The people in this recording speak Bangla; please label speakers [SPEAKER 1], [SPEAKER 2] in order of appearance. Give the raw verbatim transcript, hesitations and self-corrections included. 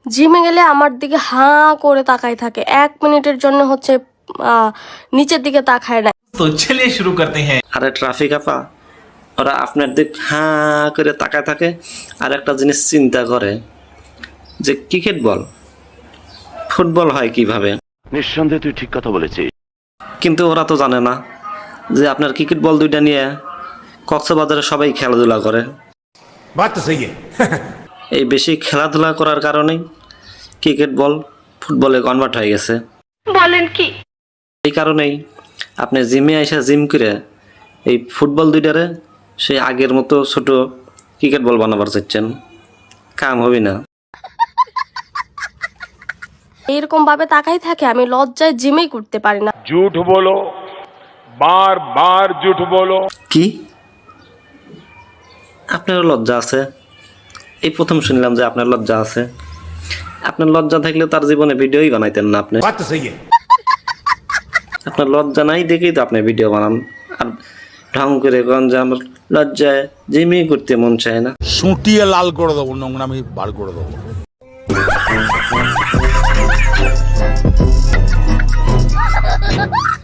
[SPEAKER 1] জিমে গেলে আমার দিকে হাঁ করে তাকাই থাকে, এক মিনিটের জন্য হচ্ছে নিচের দিকে তাকায় না।
[SPEAKER 2] তো চলিয়ে শুরু করতে হ্যাঁ।
[SPEAKER 3] আরে ট্রাফিক আপা, ওরা আপনার দিক হাঁ করে তাকায় থাকে আর একটা জিনিস চিন্তা করে যে ক্রিকেট বল ফুটবল হয় কিভাবে।
[SPEAKER 4] নিঃসন্দেহে তুই ঠিক কথা বলেছিস,
[SPEAKER 3] কিন্তু ওরা তো জানে না যে আপনার ক্রিকেট বল দুইটা নিয়ে কক্সবাজারে সবাই খেলাধুলা করে।
[SPEAKER 5] বাত তো সহি
[SPEAKER 3] এই বেশি খেলাধুলা করার কারণেই ক্রিকেট বল ফুটবলে কনভার্ট হয়ে গেছে।
[SPEAKER 1] বলেন কি?
[SPEAKER 3] এই কারণেই আপনি জিমে এসে জিম করে এই ফুটবল দুইটারে সেই আগের মতো ছোট ক্রিকেট বল বানাবার চাচ্ছেন, কাম হবে না।
[SPEAKER 1] এইরকম ভাবে তাকাই থাকে, আমি লজ্জায় জিমেই করতে পারি না।
[SPEAKER 6] झूठ बोलो, बार बार झूठ बोलो।
[SPEAKER 3] কি আপনার লজ্জা আছে? এই প্রথম শুনলাম যে আপনার লজ্জা আছে। আপনার লজ্জা থাকলে তার জীবনে ভিডিওই বানাইতেন না আপনি।
[SPEAKER 5] বাত তো সহি
[SPEAKER 3] আপনার লজ্জা নাই দেখেই তো আপনি ভিডিও বানান আর ঢং করে কন যে আমার লজ্জায় জিমই করতে মন চায় না।
[SPEAKER 7] সুটিয়ে লাল করে দেবো, নোংরামি বার করে দেবো।